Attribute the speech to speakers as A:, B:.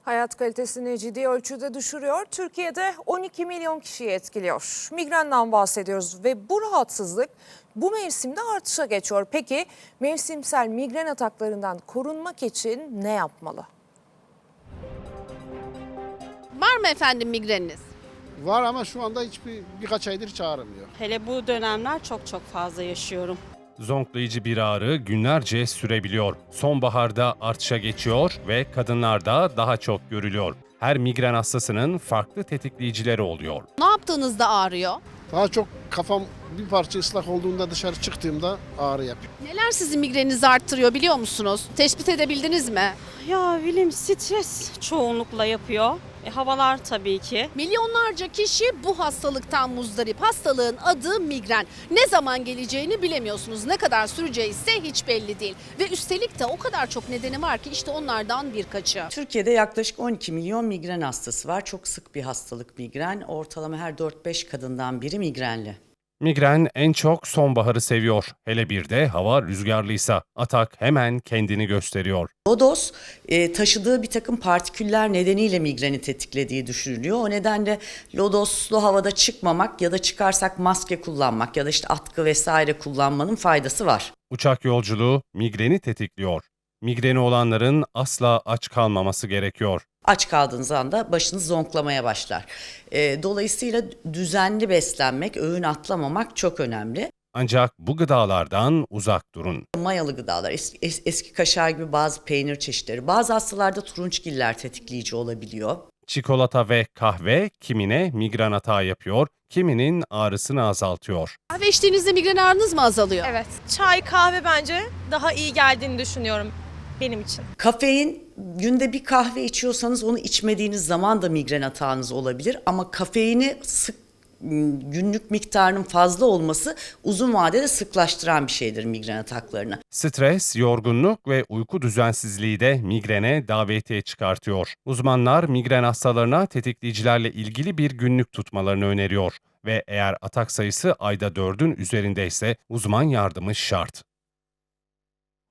A: Hayat kalitesini ciddi ölçüde düşürüyor. Türkiye'de 12 milyon kişiyi etkiliyor. Migrenden bahsediyoruz ve bu rahatsızlık bu mevsimde artışa geçiyor. Peki mevsimsel migren ataklarından korunmak için ne yapmalı?
B: Var mı efendim migreniniz?
C: Var ama şu anda birkaç aydır hiç ağrımıyor.
D: Hele bu dönemler çok fazla yaşıyorum.
E: Zonklayıcı bir ağrı günlerce sürebiliyor. Sonbaharda artışa geçiyor ve kadınlarda daha çok görülüyor. Her migren hastasının farklı tetikleyicileri oluyor.
B: Ne yaptığınızda ağrıyor?
C: Daha çok kafam bir parça ıslak olduğunda dışarı çıktığımda ağrı yapıyor.
B: Neler sizin migreninizi arttırıyor biliyor musunuz? Tespit edebildiniz mi?
D: Ya bilim stres çoğunlukla yapıyor. Havalar tabii ki.
B: Milyonlarca kişi bu hastalıktan muzdarip. Hastalığın adı migren. Ne zaman geleceğini bilemiyorsunuz. Ne kadar süreceği ise hiç belli değil. Ve üstelik de o kadar çok nedeni var ki işte onlardan birkaçı.
F: Türkiye'de yaklaşık 12 milyon migren hastası var. Çok sık bir hastalık migren. Ortalama her 4-5 kadından biri migrenli.
E: Migren en çok sonbaharı seviyor. Hele bir de hava rüzgarlıysa atak hemen kendini gösteriyor.
F: Lodos taşıdığı bir takım partiküller nedeniyle migreni tetiklediği düşünülüyor. O nedenle lodoslu havada çıkmamak ya da çıkarsak maske kullanmak ya da işte atkı vesaire kullanmanın faydası var.
E: Uçak yolculuğu migreni tetikliyor. Migreni olanların asla aç kalmaması gerekiyor.
F: Aç kaldığınız anda başınız zonklamaya başlar. Dolayısıyla düzenli beslenmek, öğün atlamamak çok önemli.
E: Ancak bu gıdalardan uzak durun.
F: Mayalı gıdalar, eski kaşar gibi bazı peynir çeşitleri, bazı hastalarda turunçgiller tetikleyici olabiliyor.
E: Çikolata ve kahve kimine migren atağı yapıyor, kiminin ağrısını azaltıyor.
B: Kahve içtiğinizde migren ağrınız mı azalıyor?
G: Evet. Çay, kahve bence daha iyi geldiğini düşünüyorum benim için.
F: Kafein, günde bir kahve içiyorsanız onu içmediğiniz zaman da migren atağınız olabilir. Ama kafeini günlük miktarının fazla olması uzun vadede sıklaştıran bir şeydir migren ataklarını.
E: Stres, yorgunluk ve uyku düzensizliği de migrene davetiye çıkartıyor. Uzmanlar migren hastalarına tetikleyicilerle ilgili bir günlük tutmalarını öneriyor ve eğer atak sayısı ayda 4'ün üzerindeyse uzman yardımı şart.